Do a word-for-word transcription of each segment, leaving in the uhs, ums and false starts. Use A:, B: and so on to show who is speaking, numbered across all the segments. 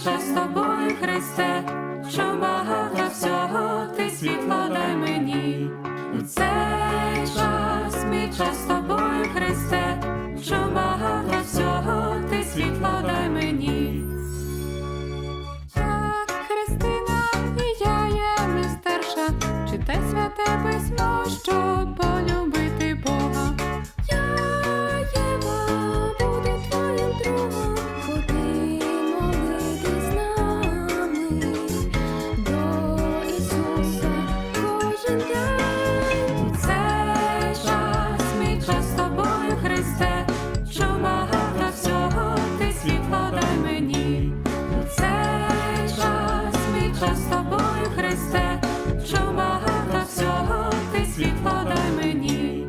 A: час з тобою, Христе, що багато всього ти світло дай мені. У цей час, мій час з тобою, Христе, що багато всього ти світло дай мені. Так, Христина, і я є мистерша, читай святе письмо, щоб полюбити Бога. Я, Єва, буду твоїм другом, ходи молитись з нами до Ісуса кожен день. У цей час, мій час з тобою, Христе, що багато всього ти світло дай мені. У цей час, мій час з тобою, Христе, що багато всього ти світло дай мені.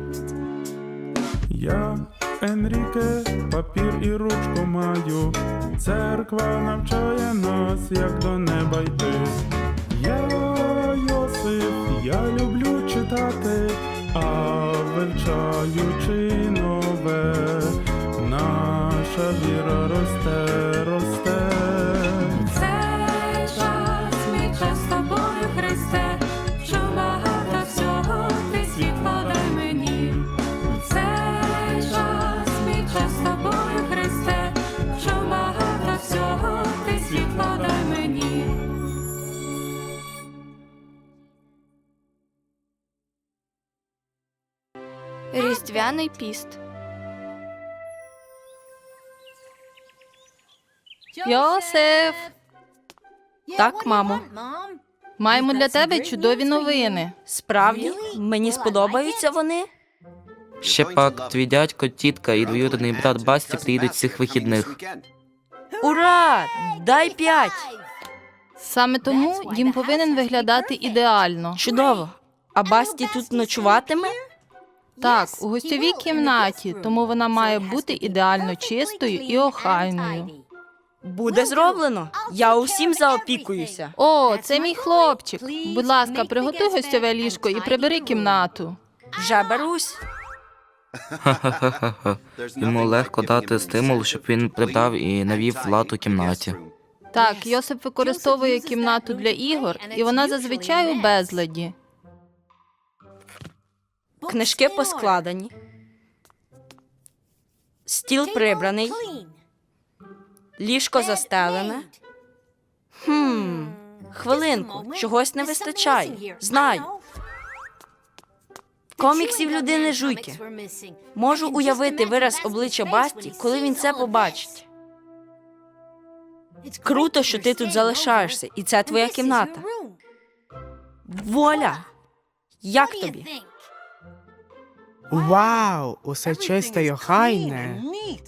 B: Я, Енріке, папір і ручку маю, церква навчає нас, як до неба йти. Я, Йосип, я люблю читати, а вивчаючи нове, наша віра росте, росте.
A: Цей час, мій час з тобою, Христе, що багато всього ти світло дай мені. Цей час, мій час з тобою, Христе, що багато всього ти світло дай мені.
C: Різдвяний піст.
D: Йосиф!
E: Так, мамо.
D: Маємо для тебе чудові новини.
E: Справді? Мені сподобаються вони?
F: Ще пак, твій дядько, тітка і двоюрідний брат Басті приїдуть цих вихідних.
E: Ура! Дай п'ять!
D: Саме тому дім повинен виглядати ідеально.
E: Чудово. А Басті тут ночуватиме?
D: Так, у гостьовій кімнаті, тому вона має бути ідеально чистою і охайною.
E: Буде зроблено. Я усім заопікуюся.
D: О, це мій хлопчик. Будь ласка, приготуй гостьове ліжко і прибери кімнату.
E: Вже берусь.
F: Ха-ха-ха-ха. Йому легко дати стимул, щоб він прибрав і навів лад у кімнаті.
D: Так, Йосип використовує кімнату для ігор, і вона зазвичай у безладі.
E: Книжки поскладені. Стіл прибраний. Ліжко застелене. Хм, хвилинку, чогось не вистачає. Знаю. Коміксів людини жуйки. Можу уявити вираз обличчя Басті, коли він це побачить. Круто, що ти тут залишаєшся, і це твоя кімната. Воля! Як тобі?
G: Вау, усе чисте й охайне.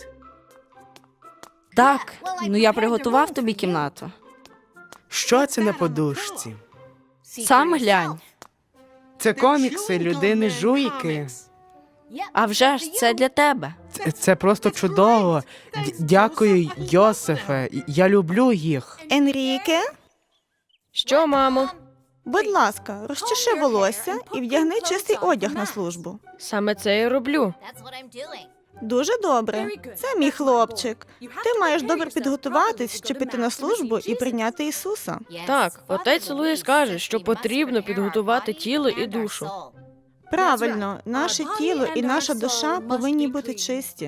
E: Так, ну я приготував тобі кімнату.
G: Що це на подушці?
E: Сам глянь.
G: Це комікси людини жуйки.
E: А вже ж це для тебе.
G: Це, це просто чудово. Д- Дякую, Йосифе. Я люблю їх.
H: Енріке,
D: Що, мамо?
H: будь ласка, розчеши волосся і вдягни чистий одяг на службу.
D: Саме це я роблю.
H: Дуже добре. Це мій хлопчик. Ти маєш добре підготуватись, щоб піти на службу і прийняти Ісуса.
I: Так, отець Луїс каже, що потрібно підготувати тіло і душу.
H: Правильно, наше тіло і наша душа повинні бути чисті.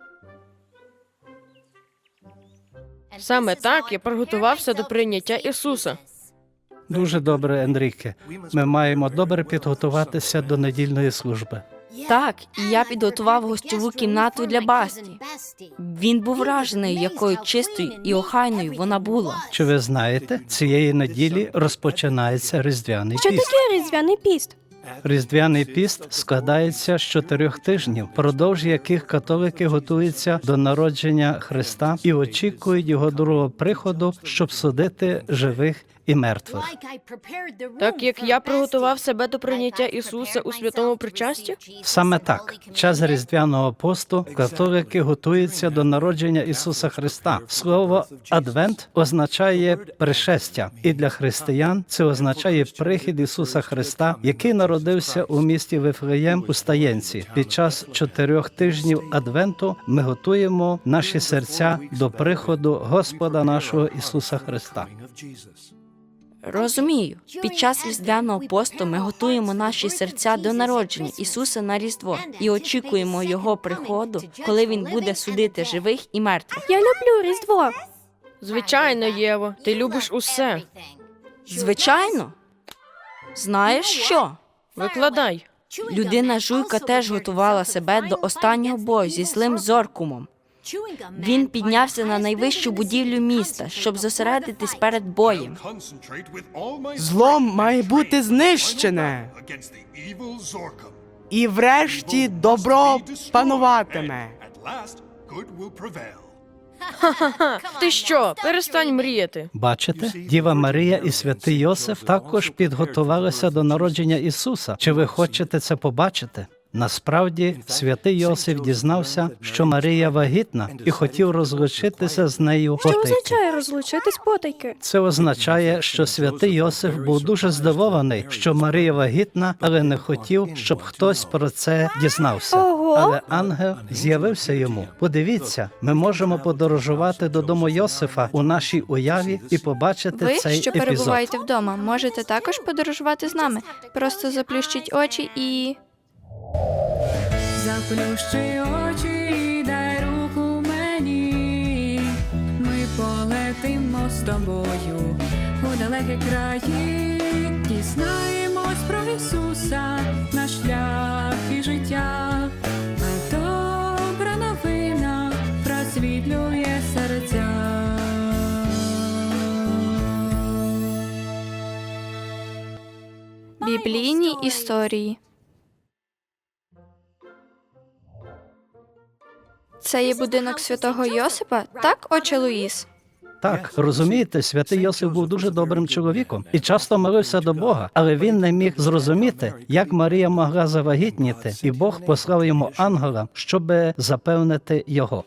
I: Саме так я приготувався до прийняття Ісуса.
J: Дуже добре, Енріке. Ми маємо добре підготуватися до недільної служби.
E: Так, і я підготував гостьову кімнату для Басті. Він був вражений, якою чистою і охайною вона була.
J: Чи ви знаєте, цієї неділі розпочинається Різдвяний
C: Що
J: піст.
C: таке різдвяний піст?
J: Різдвяний піст складається з чотирьох тижнів, впродовж яких католики готуються до народження Христа і очікують його другого приходу, щоб судити живих і мертвих.
I: Так як я приготував себе до прийняття Ісуса у святому причасті?
J: Саме так, час Різдвяного посту католики готуються до народження Ісуса Христа. Слово «адвент» означає «пришестя», і для християн це означає прихід Ісуса Христа, який народився у місті Вифлеєм у Стаєнці. Під час чотирьох тижнів Адвенту ми готуємо наші серця до приходу Господа нашого Ісуса Христа.
E: Розумію, під час Різдвяного посту ми готуємо наші серця до народження Ісуса на Різдво і очікуємо Його приходу, коли Він буде судити живих і мертвих.
C: Я люблю Різдво.
I: Звичайно, Єво, ти любиш усе.
E: Звичайно. Знаєш що?
I: Викладай.
E: Людина Жуйка теж готувала себе до останнього бою зі злим Зоркумом. Він піднявся на найвищу будівлю міста, щоб зосередитись перед боєм.
G: Зло має бути знищене. І врешті добро пануватиме.
I: Ти що, перестань мріяти.
J: Бачите, Діва Марія і святий Йосиф також підготувалися до народження Ісуса. Чи ви хочете це побачити? Насправді, святий Йосиф дізнався, що Марія вагітна, і хотів розлучитися з нею
C: Що
J: потайки.
C: означає розлучитись потайки?
J: Це означає, що святий Йосиф був дуже здивований, що Марія вагітна, але не хотів, щоб хтось про це дізнався.
C: Ого!
J: Але ангел з'явився йому. Подивіться, ми можемо подорожувати додому Йосифа у нашій уяві і побачити
C: Ви,
J: цей
C: що
J: епізод.
C: перебуваєте вдома, можете також подорожувати з нами. Просто заплющіть очі і...
A: Заплющи очі і дай руку мені. Ми полетимо з тобою у далекі краї. Дізнаємось про Ісуса, наш шлях і життя. А добра новина просвітлює серця.
C: Біблійні історії. Це є будинок святого Йосипа, так, отче Луїс?
J: Так, розумієте, святий Йосиф був дуже добрим чоловіком і часто молився до Бога, але він не міг зрозуміти, як Марія могла завагітніти, і Бог послав йому ангела, щоб запевнити його.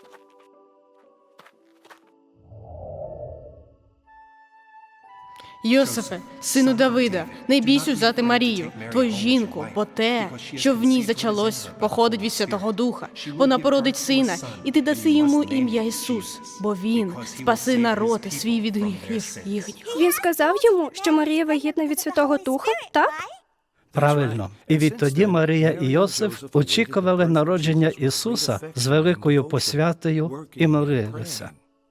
K: Йосифе, сину Давида, не бійся взяти Марію, твою жінку, бо те, що в ній зачалось, походить від Святого Духа. Вона породить сина, і ти даси йому ім'я Ісус, бо він спаси народ свій від гріхів їхніх.
C: Він сказав йому, що Марія вагітна від Святого Духа, так?
J: Правильно. І відтоді Марія і Йосиф очікували народження Ісуса з великою посвятою і молилися.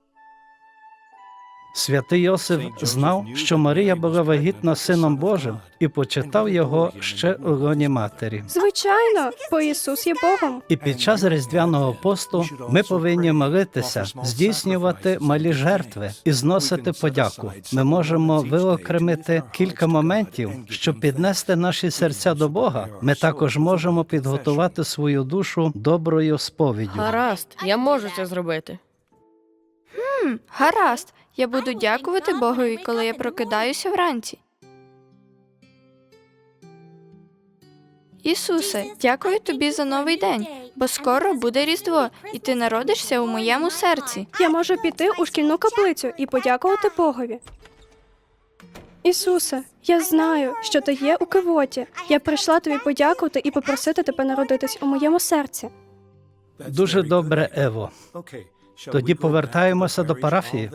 J: Святий Йосиф знав, що Марія була вагітна Сином Божим і почитав його ще у лоні матері.
C: Звичайно, бо Ісус є Богом.
J: І під час Різдвяного посту ми повинні молитися, здійснювати малі жертви і зносити подяку. Ми можемо виокремити кілька моментів, щоб піднести наші серця до Бога. Ми також можемо підготувати свою душу доброю сповіддю.
I: Гаразд, я можу це зробити.
C: Хм, гаразд. Я буду дякувати Богові, коли я прокидаюся вранці. Ісусе, дякую тобі за новий день, бо скоро буде Різдво, і ти народишся у моєму серці. Я можу піти у шкільну каплицю і подякувати Богові. Ісусе, я знаю, що ти є у кивоті. Я прийшла тобі подякувати і попросити тебе народитись у моєму серці.
J: Дуже добре, Ево. Тоді повертаємося до парафії.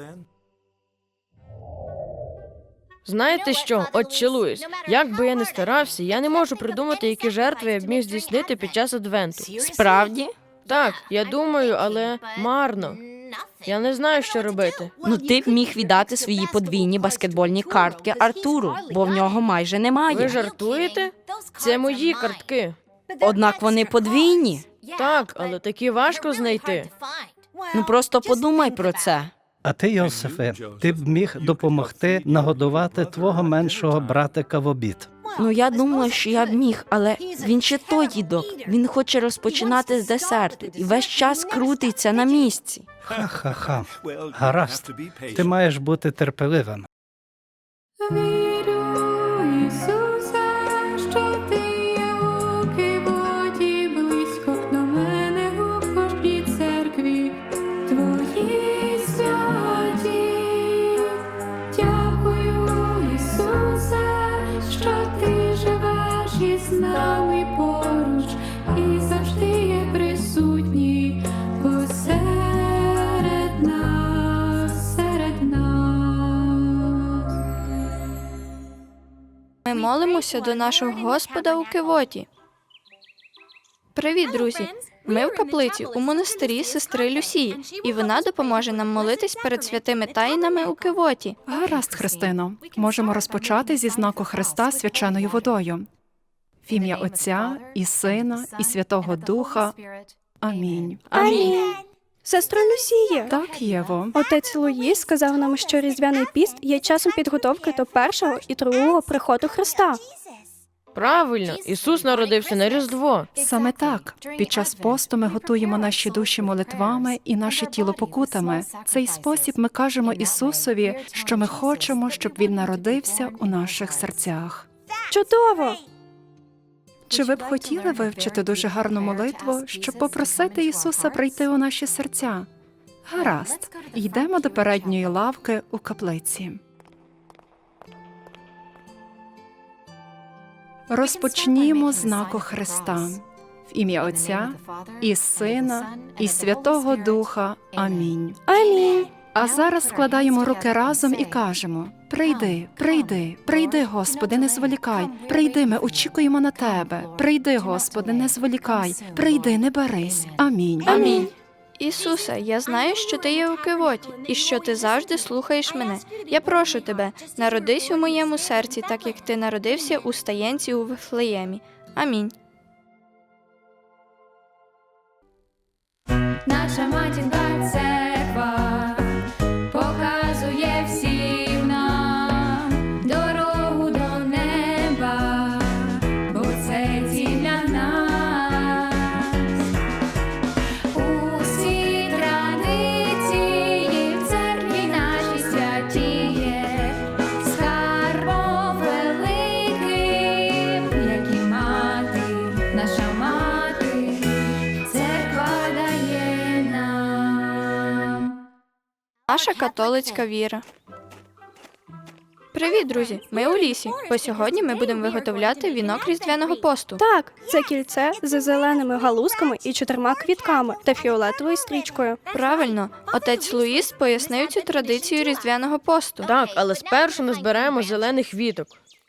I: Знаєте що, отче Луїс, як би я не старався, я не можу придумати, які жертви я б міг здійснити під час Адвенту.
E: Справді?
I: Так, я думаю, але марно. Я не знаю, що робити.
E: Ну ти б міг віддати свої подвійні баскетбольні картки Артуру, бо в нього майже
I: Ви
E: немає.
I: жартуєте? Це мої картки.
E: Однак вони подвійні.
I: Так, але такі важко знайти.
E: Ну просто подумай про це.
J: А ти, Йосифе, ти б міг допомогти нагодувати твого меншого братика в обід.
E: Ну я думала, що я б міг, але він ще той дідок. Він хоче розпочинати з десерту і весь час крутиться на місці.
J: Ха-ха-ха. Гаразд. Ти маєш бути терпеливим.
A: що ти живеш із нами поруч і завжди є присутній посеред нас, серед нас.
C: Ми молимося до нашого Господа у Кивоті. Привіт, друзі! Ми в каплиці у монастирі сестри Люсії, і вона допоможе нам молитись перед святими таїнами у Кивоті.
L: Гаразд, Христино. Можемо розпочати зі знаку Христа свяченою водою. В ім'я Отця і Сина, і Святого Духа. Амінь.
C: Амінь.
M: Сестро Люсія,
L: Так, Єво.
M: отець Луїс сказав нам, що Різдвяний піст є часом підготовки до першого і другого приходу Христа.
I: Правильно, Ісус народився на Різдво.
L: Саме так. Під час посту ми готуємо наші душі молитвами і наше тіло покутами. В цей спосіб ми кажемо Ісусові, що ми хочемо, щоб Він народився у наших серцях.
M: Чудово!
L: Чи ви б хотіли вивчити дуже гарну молитву, щоб попросити Ісуса прийти у наші серця? Гаразд. Йдемо до передньої лавки у каплиці. Розпочнімо з знаку Христа. В ім'я Отця і Сина, і Святого Духа. Амінь.
M: Амінь.
L: А зараз складаємо руки разом і кажемо: «Прийди, прийди, прийди, Господи, не зволікай. Прийди, ми очікуємо на Тебе. Прийди, Господи, не зволікай. Прийди, не барись. Амінь».
C: Амінь. Ісусе, я знаю, що ти є у Кивоті, і що ти завжди слухаєш мене. Я прошу тебе, народись у моєму серці, так як ти народився у стаєнці у Вифлеємі. Амінь.
A: Наша матінка церква показує всім нам дорогу до неба, бо це ціль для нас. Усі традиції в церкві нашій святіє, скарбом великим, як і мати, наша мати, церква дає нам.
C: Наша католицька віра. Привіт, друзі! Ми у лісі, бо сьогодні ми будемо виготовляти вінок Різдвяного посту.
M: Так, це кільце з зеленими галузками і чотирма квітками та фіолетовою стрічкою.
C: Правильно, отець Луїс пояснив цю традицію Різдвяного посту.
I: Так, але спершу ми зберемо зелених віток.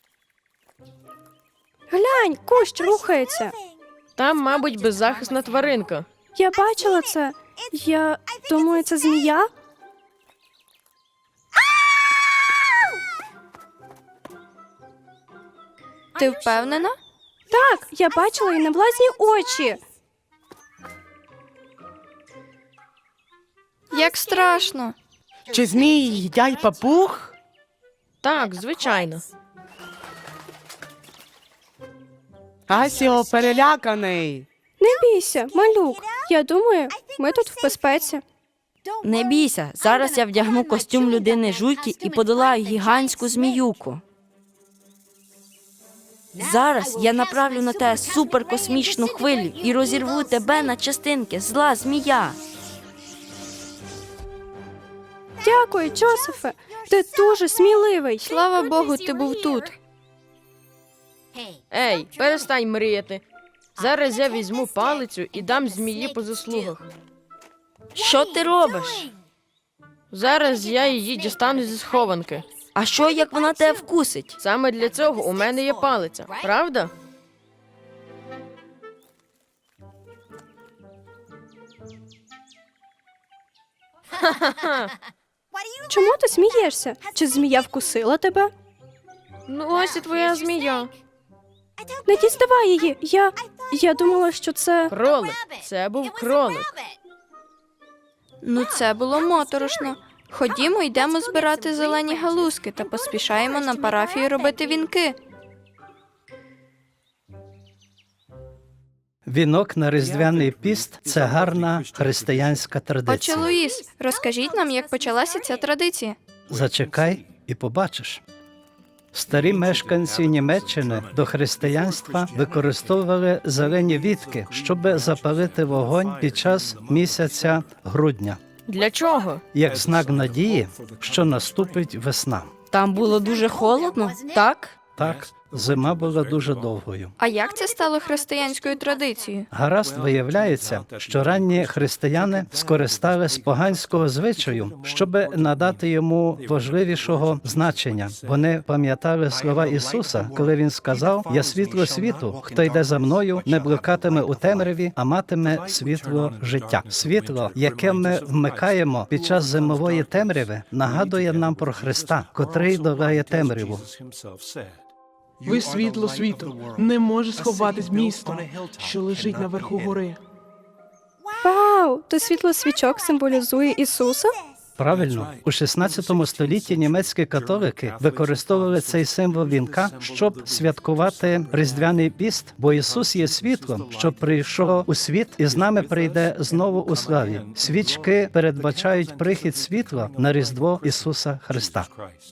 M: Глянь, кущ рухається.
I: Там, мабуть, беззахисна тваринка.
M: Я бачила це. Я думаю, це змія.
C: Ти впевнена?
M: Так, я бачила її на власні очі.
C: Як страшно!
G: Чи змії їдять папуг?
I: Так, звичайно.
G: Асіо переляканий.
M: Не бійся, малюк. Я думаю, ми тут в безпеці.
E: Не бійся, зараз я вдягну костюм людини жуйки і подолаю гігантську зміюку. Зараз я направлю на тебе суперкосмічну хвилю і розірву тебе на частинки, зла змія.
M: Дякую, Джозефе. Ти дуже сміливий.
C: Слава Богу, ти був тут.
I: Ей, перестань мріяти. Зараз я візьму палицю і дам змії по заслугах.
E: Що ти робиш?
I: Зараз я її дістану зі схованки.
E: А що, як вона тебе вкусить?
I: Саме для цього у мене є палиця, правда?
M: Чому ти смієшся? Чи змія вкусила тебе?
I: Ну ось і твоя змія.
M: Не діставай її. Я. Я думала, що це.
I: Кролик. Це був кролик.
C: Ну це було моторошно. Ходімо, йдемо збирати зелені галузки та поспішаємо на парафію робити вінки.
J: Вінок на Різдвяний піст – це гарна християнська
C: Отче
J: традиція.
C: Луїс, розкажіть нам, як почалася ця традиція.
J: Зачекай і побачиш. Старі мешканці Німеччини до християнства використовували зелені вітки, щоб запалити вогонь під час місяця грудня,
I: Для чого?
J: як знак надії, що наступить весна.
E: Там було дуже холодно, так?
J: Так, зима була дуже довгою.
C: А як це стало християнською традицією?
J: Гаразд, виявляється, що ранні християни скористались поганського звичаю, щоб надати йому важливішого значення. Вони пам'ятали слова Ісуса, коли Він сказав: «Я світло світу, хто йде за мною, не блукатиме у темряві, а матиме світло життя». Світло, яке ми вмикаємо під час зимової темряви, нагадує нам про Христа, котрий долає темряву.
N: Ви світло світу. Не може сховатись місто, що лежить наверху гори.
M: Вау! То світло свічок символізує Ісуса?
J: Правильно, у шістнадцятому столітті німецькі католики використовували цей символ вінка, щоб святкувати Різдвяний піст, бо Ісус є світлом, що прийшов у світ і з нами прийде знову у славі. Свічки передбачають прихід світла на Різдво Ісуса Христа.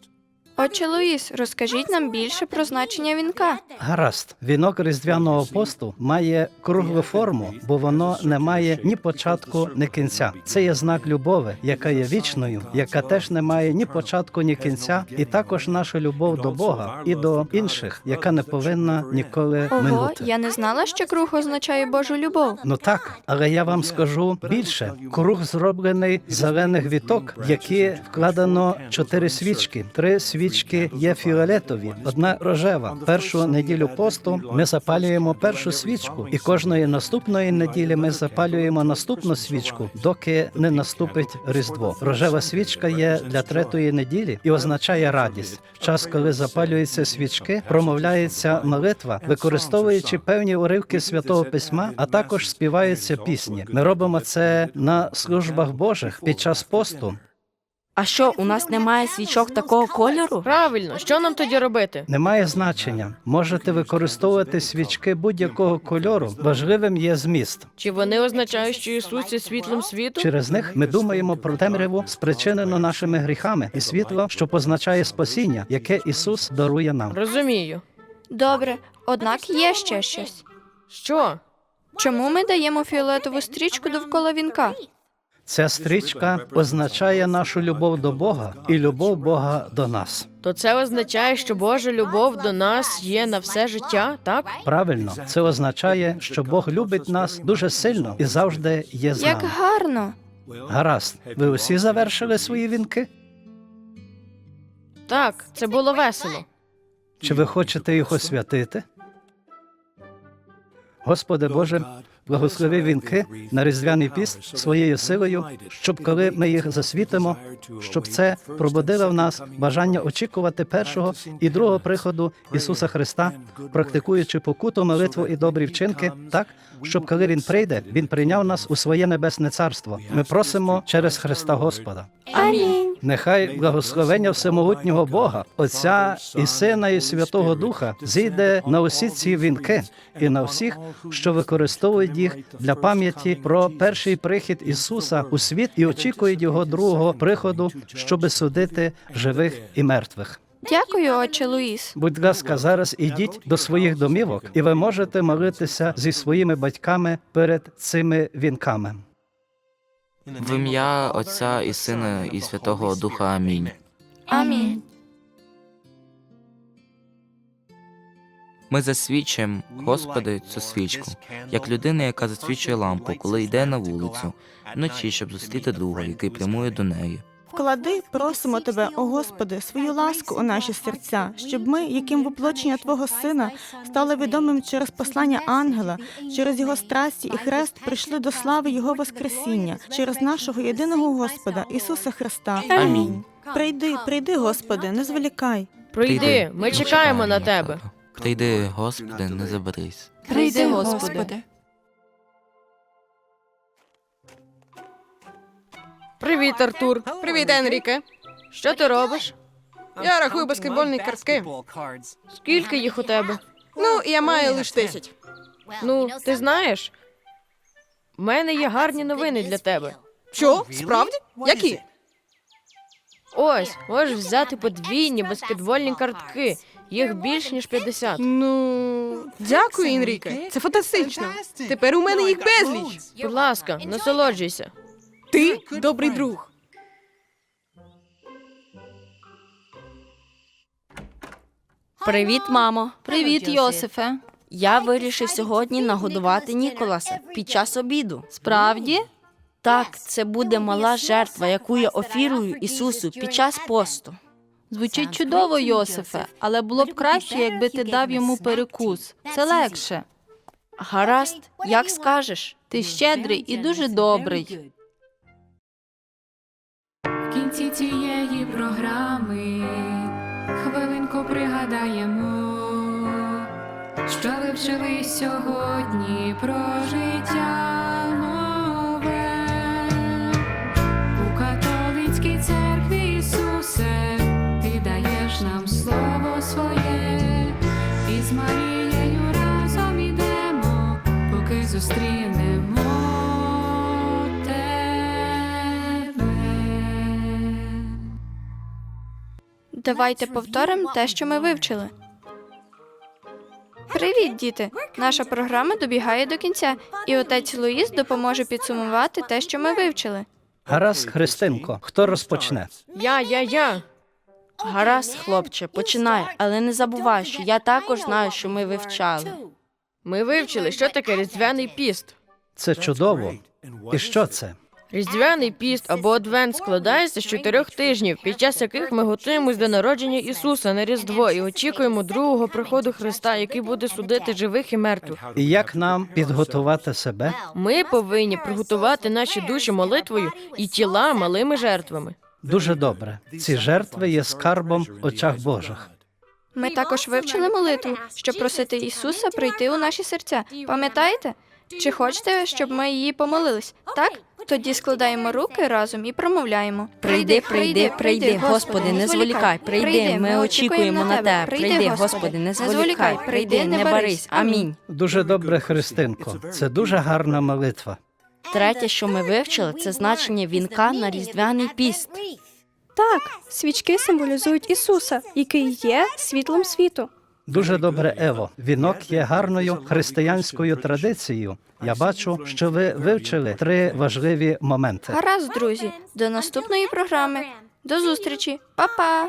C: Отче Луїс, розкажіть нам більше про значення вінка.
J: Гаразд, вінок Різдвяного посту має круглу форму, бо воно не має ні початку, ні кінця. Це є знак любові, яка є вічною, яка теж не має ні початку, ні кінця, і також наша любов до Бога і до інших, яка не повинна ніколи
C: Ого,
J: минути.
C: я не знала, що круг означає Божу любов.
J: Ну так, але я вам скажу більше. Круг зроблений з зелених віток, в які вкладено чотири свічки. Три свічки є фіолетові, одна рожева. Першу неділю посту ми запалюємо першу свічку, і кожної наступної неділі ми запалюємо наступну свічку, доки не наступить Різдво. Рожева свічка є для третьої неділі і означає радість. В час, коли запалюються свічки, промовляється молитва, використовуючи певні уривки Святого Письма, а також співаються пісні. Ми робимо це на службах Божих під час посту.
E: А що, у нас немає свічок такого кольору?
I: Правильно, що нам тоді робити?
J: Немає значення. Можете використовувати свічки будь-якого кольору. Важливим є зміст.
I: Чи вони означають, що Ісус є світлом світу?
J: Через них ми думаємо про темряву, спричинену нашими гріхами, і світло, що позначає спасіння, яке Ісус дарує нам.
I: Розумію.
C: Добре, однак є ще щось.
I: Що?
C: Чому ми даємо фіолетову стрічку довкола вінка?
J: Ця стрічка означає нашу любов до Бога і любов Бога до нас.
I: То це означає, що Божа любов до нас є на все життя, так?
J: Правильно, це означає, що Бог любить нас дуже сильно і завжди є з
C: Як
J: нами.
C: гарно!
J: Гаразд, ви усі завершили свої вінки?
I: Так, це було весело.
J: Чи ви хочете їх освятити? Господи Боже, благослови вінки на Різдвяний піст своєю силою, щоб коли ми їх засвітимо, щоб це пробудило в нас бажання очікувати першого і другого приходу Ісуса Христа, практикуючи покуту, молитву і добрі вчинки, так, щоб коли Він прийде, Він прийняв нас у своє небесне царство. Ми просимо через Христа Господа.
M: Амінь.
J: Нехай благословення всемогутнього Бога, Отця і Сина і Святого Духа зійде на усі ці вінки і на всіх, що використовують їх для пам'яті про перший прихід Ісуса у світ і очікують Його другого приходу, щоби судити живих і мертвих.
C: Дякую, отче Луїс.
J: Будь ласка, зараз ідіть до своїх домівок, і ви можете молитися зі своїми батьками перед цими вінками.
F: В ім'я Отця і Сина і Святого Духа. Амінь.
C: Амінь.
F: Ми засвічуємо, Господи, цю свічку, як людина, яка засвічує лампу, коли йде на вулицю, вночі, щоб зустріти друга, який прямує до неї.
H: Вклади, просимо Тебе, о Господи, свою ласку у наші серця, щоб ми, яким воплочення Твого Сина, стали відомим через послання ангела, через Його страсті і хрест прийшли до слави Його Воскресіння, через нашого єдиного Господа, Ісуса Христа.
F: Амінь.
H: Прийди, прийди, Господи, не зволікай.
I: Прийди, ми чекаємо на Тебе.
F: Прийди, Господи, не заберись.
L: Прийди, Господи.
I: Привіт, Артур.
K: Привіт, Енріке.
I: Що ти робиш?
K: Я рахую баскетбольні картки.
I: Скільки їх у тебе?
K: Ну, я маю лише десять.
I: Ну, ти знаєш, в мене є гарні новини для тебе.
K: Що? Справді? Які?
I: Ось, можеш взяти подвійні баскетбольні картки. Їх більш ніж п'ятдесят.
K: Ну, дякую, Енріке. Це фантастично. Тепер у мене їх безліч.
I: Будь ласка, насолоджуйся.
K: Ти добрий друг.
E: Привіт, мамо.
D: Привіт, Йосифе.
E: Я вирішив сьогодні нагодувати Ніколаса під час обіду.
D: Справді?
E: Так, це буде мала жертва, яку я офірую Ісусу під час посту.
D: Звучить чудово, Йосифе, але було б краще, якби ти дав йому перекус. Це легше.
E: Гаразд, як скажеш.
D: Ти щедрий і дуже добрий.
A: В кінці цієї програми хвилинку пригадаємо, що ви вчили сьогодні про життя нове. У католицькій церкві, Ісусе, ти даєш нам слово своє, і з Марією разом ідемо, поки зустрінемо тебе.
C: Давайте повторимо те, що ми вивчили. Привіт, діти! Наша програма добігає до кінця, і отець Луїс допоможе підсумувати те, що ми вивчили.
J: Гаразд, Христинко, хто розпочне?
I: Я, я, я.
E: Гаразд, хлопче, починай, але не забувай, що я також знаю, що ми вивчали.
I: Ми вивчили, що таке Різдвяний піст.
J: Це чудово. І що це?
I: Різдвяний піст або Адвент складається з чотирьох тижнів, під час яких ми готуємось до народження Ісуса на Різдво і очікуємо другого приходу Христа, який буде судити живих і мертвих.
J: І як нам підготувати себе?
I: Ми повинні приготувати наші душі молитвою і тіла малими жертвами.
J: Дуже добре. Ці жертви є скарбом в очах Божих.
C: Ми також вивчили молитву, щоб просити Ісуса прийти у наші серця. Пам'ятаєте? Чи хочете, щоб ми її помолились? Так? Тоді складаємо руки разом і промовляємо.
E: Прийди, прийди, прийди, Господи, не зволікай, прийди, ми очікуємо на тебе. Прийди, Господи, не зволікай, прийди, не барись. Амінь.
J: Дуже добре, Христинко. Це дуже гарна молитва.
E: Третє, що ми вивчили, це значення вінка на Різдвяний піст.
M: Так, свічки символізують Ісуса, який є світлом світу.
J: Дуже добре, Ево. Вінок є гарною християнською традицією. Я бачу, що ви вивчили три важливі моменти.
C: Гаразд, друзі. До наступної програми. До зустрічі. Па-па!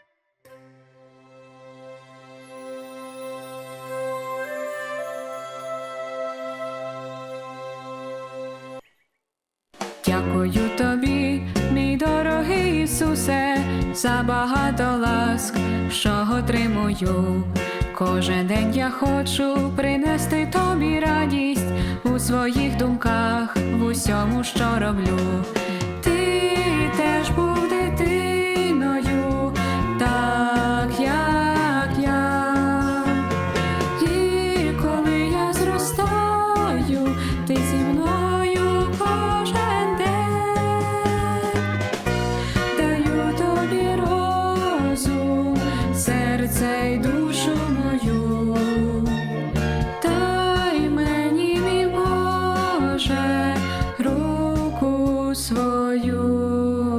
A: Дякую тобі, мій дорогий Ісусе, за багато ласк, що отримую. Кожен день я хочу принести тобі радість у своїх думках, в усьому, що роблю. Ти теж був дитиною, так як я. І коли я зростаю, ти зі мною кожен день. Даю тобі розум, серце й душу мою. Дай мені, мій Боже, руку свою.